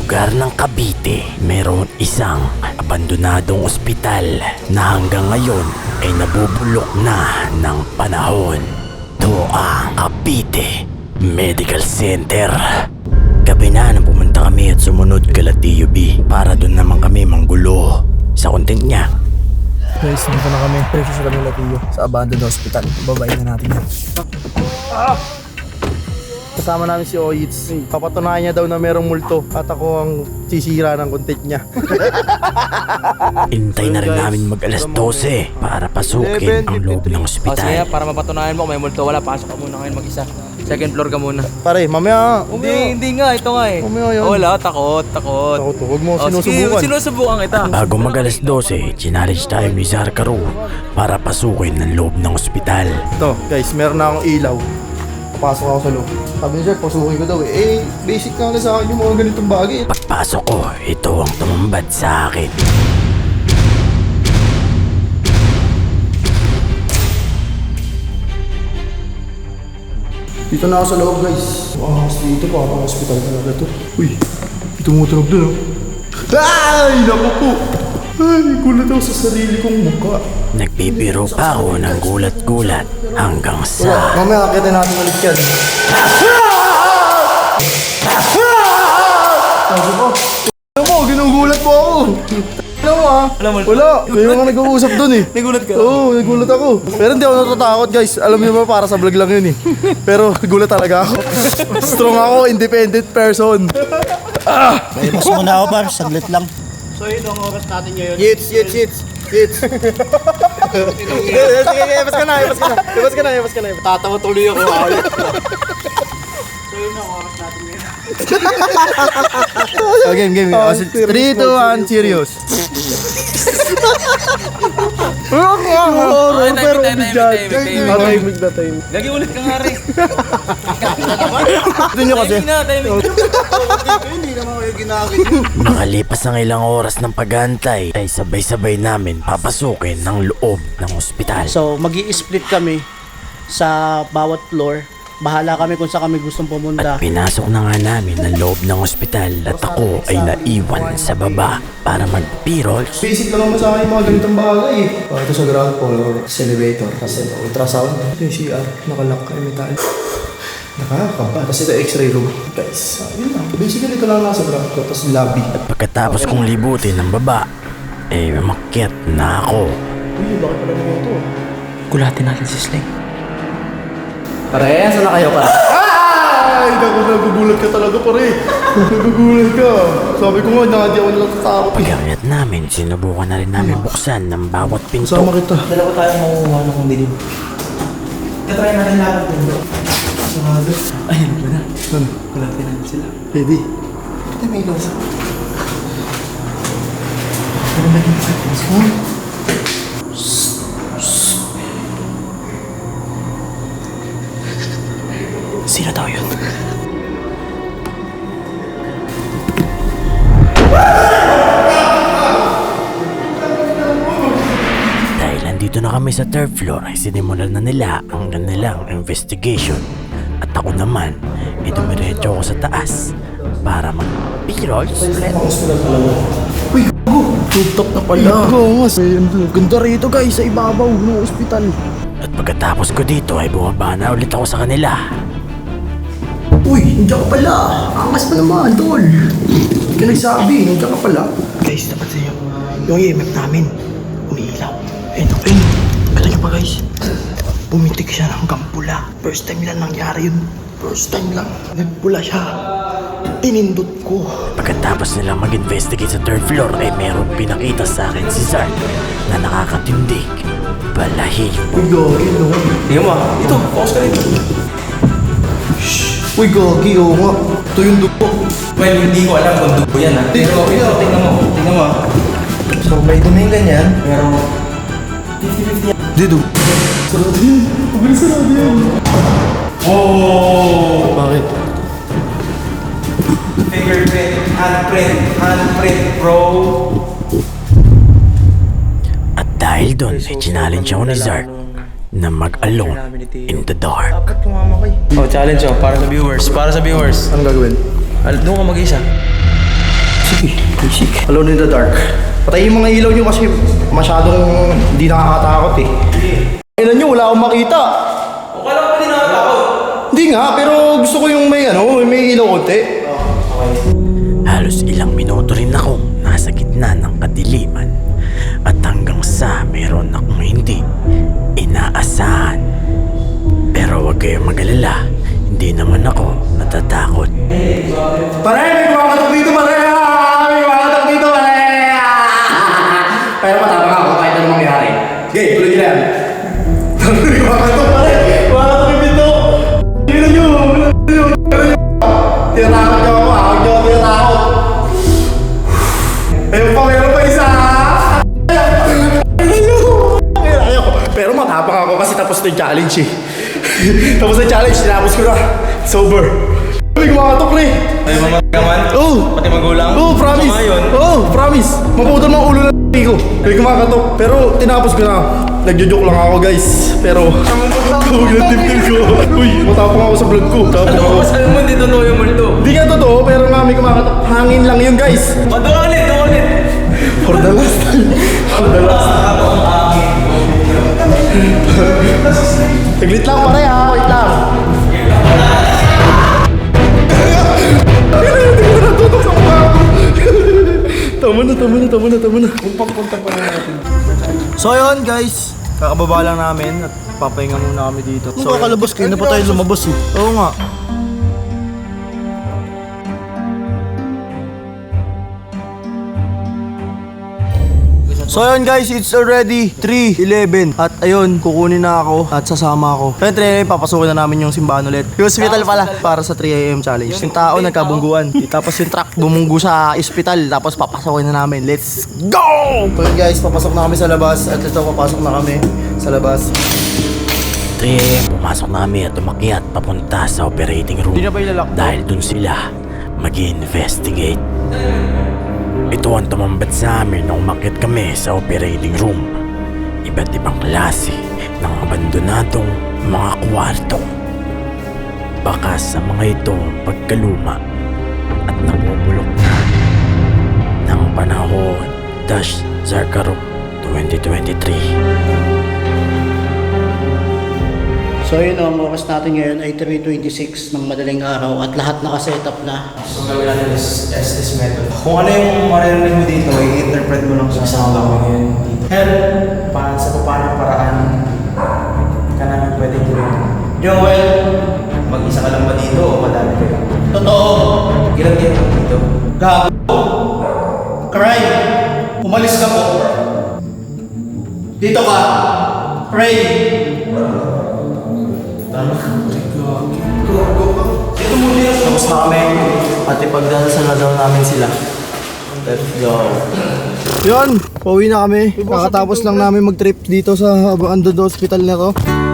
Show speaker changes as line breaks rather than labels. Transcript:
lugar ng Cavite, mayroon isang abandonadong ospital na hanggang ngayon ay nabubulok na ng panahon. Ito ang Cavite Medical Center. Gabi na nang pumunta kami at sumunod kala Tio B para doon naman kami manggulo sa content niya.
Guys, dito na kami. Presyo sa kami Latiyo sa abandoned hospital. Babayin na natin yan. Kasama namin si Oyits. Papatunayan niya daw na merong multo at ako ang sisira ng content niya.
Intay na rin namin mag alas 12 para pasukin ang loob ng
Sige,
ospital.
para mapatunayan mo kung may multo wala, pasok ka muna ngayon mag-isa. Second floor ka muna.
Pare, mamaya.
Hindi nga, ito nga eh.
Mamaya yan.
Wala, takot.
Takot, huwag mo
Sige,
sinusubukan.
sinusubukan kita.
Bago mag alas 12, challenge tayo ni Zarkaro para pasukin ang loob ng ospital.
Ito, guys, meron na akong ilaw. Papasok ako sa loob. Sabi niya, sir, pasukin ko daw eh. Eh, basic na lang sa akin yung mga ganitong bagay.
Pagpasok ko, ito ang tumambad sa akin.
Dito na ako sa loob, guys. Mas dito pa, parang hospital talaga to. Uy, tumutunog dun, oh. Ay, naku po. Ay, gulat ako sa sarili kong mukha.
Nagbibiro pa ako ng gulat-gulat hanggang sa...
Mamaya, akitin natin ulit yan. Sabi ko, alam mo, ginugulat mo ako. Alam mo ha? Wala, may mga nag-uusap dun eh.
Nagulat ka?
Oo, nagulat ako. Pero hindi ako natatakot guys. Alam niyo ba, para sa vlog lang yun eh. Pero nagulat talaga ako. Strong ako, independent person.
Mas muna ako par, saglit lang.
So yun ang oras natin ngayon.
Yits. Sige, ibas ka na.
Tatawa tuloy ako.
Oh, game. 3, 2, 1, serious. Horror, pero bigat.
Timing.
na time.
Lagi ulit ka nga rin.
Ito nyo kasi.
Timing.
Hindi naman kayo ginagin.
Makalipas ang ilang oras ng pagantay ay sabay-sabay namin papasukin ng loob ng ospital.
So, mag-i-split kami sa bawat floor. Bahala kami kung saan kami gustong pumunta.
At pinasok na nga namin ang loob ng ospital at ako ay naiwan sa baba para mag-pirol.
Basic lang naman sa akin yung mga ganitong bagay eh. Ito sa ground floor, sa elevator, kasi ultrasound. Ito yung CR, nakalock kay metal. Nakakaba. Tapos ito x-ray room. Guys, yun lang. Basically ito lang nasa ground floor, tapos lobby.
At pagkatapos kong libutin ng baba, eh makyat na ako.
Uy, bakit pala naman ito?
Gulatin natin si Sling.
Pare, saan na kayo pa?
Ay, nagugulat ka talaga pare. Nagugulat ka. Sabi ko nga, hindi ako natatakot.
Pag-akyat namin, sinubukan na rin namin buksan ng bawat pinto.
Sama kita.
Dalawa tayong makukuha ng dilim. Katry natin lahat din.
Ayun ba na?
Ano?
Gulatin natin sila.
Ready?
Ito may ilos.
Sino daw yun? Dahil nandito na kami sa third floor ay sinimulan na nila ang kanilang investigation. At ako naman, dumiretso ako sa taas para mag-pirol.
Uy, gago! Rooftop na pala. Oo nga. Ganda rito guys, sa ibabaw ng ospital.
At pagkatapos ko dito ay bumaba na ulit ako sa kanila.
Uy, nandiyan ka pala. Angas pa naman, tol. Hindi ka nagsabi, nandiyan ka pala. Guys, dapat sa'yo. Yung EMF namin, umiilaw. Ayun. Kata nyo pa guys. Pumitik siya hanggang pula. First time lang nangyari yun. First time lang. Nagpula siya. Tinindot ko.
Pagkatapos nilang mag-investigate sa third floor ay merong pinakita sa akin si Zark na nakakatindig. Balahibo.
Uy, gagi, no?
Tingnan mo. Ito, focus ka rin.
Uy, gagi, oo nga. Ito yung dugo.
Well, hindi ko alam kung dugo yan ha. Pero ito, tingnan mo.
So, may duming ganyan.
Pero,
Di, dugo. Sarado yan. Mabilis sarado yan.
oh!
Bakit?
Fingerprint, handprint, bro.
At dahil doon ay challenge ako ni Zark na mag-alone in the dark.
Oh, challenge oh, para sa viewers.
Anong gagawin?
Doon ka mag-isa.
Basic. Alone in the dark. Patayin yung mga ilaw nyo kasi masyadong hindi nakakatakot eh. Ilan nyo, wala akong makita.
O kala ko hindi nakatakot.
Hindi nga, pero gusto ko yung may ilaw konti.
Halos ilang minuto rin akong nasa gitna ng kadiliman at hanggang sa meron akong hindi inaasahan. Pero huwag kayong mag-alala, hindi naman ako natatakot.
Pare, may kumakatok dito, pare! May kumakatok dito, pare! Pero matapang ako kahit anong mangyari. Okay, tuloy nyo na yan. May kumakatok, pare! Kumakatok yung pinto! Tingnan nyo! Tinatakot nyo ako, ahog nyo, tinatakot! Ayun pa, meron pa isa! Ayaw! Pero matapang ako kasi tapos na yung challenge eh. Tapos na yung challenge, tinapos ko na. Sober. May kumakatok na eh.
Ay, mga gaman?
Oh!
Pati magulang?
Oh, promise!
Sama yun?
Oh, promise! Maputol ng ulo ng ko. May kumakatok. Pero tinapos ko na. Nagjo-joke lang ako guys. Pero tawag ng tim ko. Uy, matapang ako sa vlog ko. Tapos
Ano
ako.
ko sabi mo, hindi totoo yung multo.
Hindi nga totoo, pero nga may kumakatok. Hangin lang yun guys.
Doon ulit.
For the last time. For the last time. Saglit lang pare ha. Wait lang. Tama na. So yun guys, kakababa lang namin at papahinga muna kami dito. So, kakalabas kayo na pa tayo lumabas eh. Oo nga. So yun guys, it's already 3:11 at ayun, kukunin na ako at sasama ako. Siyempre, papasukin na namin yung simbahan ulit. Yung hospital pala para sa 3 AM challenge. Yung tao nagkabungguan. Tapos yung truck bumunggu sa hospital tapos papasukin na namin. Let's go! So yun guys, papasok na kami sa labas at ito papasok na kami sa labas.
3 AM, pumasok na kami at umakyat papunta sa operating room.
Hindi na ba ilalak to?
Dahil dun sila mag-investigate. Ito ang tumambat sa amin nung umakyat kami sa operating room. Iba't ibang klase ng abandonadong mga kwarto. Baka sa mga ito pagkaluma at nabubulok na ng panahon Zarkaro 2023.
So yun, ang oras natin ngayon ay 3:26 ng madaling araw at lahat nakasetup na.
So gawin natin is this method. Kung ano yung maririnig mo dito, i-interpret mo lang sa isang gawin dito. Help! Sa paano paraan ka namin pwede gawin. Joel! Mag-isa ka lang ba dito o madami kayo?
Totoo!
Ilan kayo dito?
Gago! Cry! Umalis ka po! Dito ka! Pray!
Tapos na kami at ipagdasal na daw namin sila. Let's go. Yun, pauwi na kami. Kakatapos lang namin mag-trip dito sa Abandoned Hospital na to.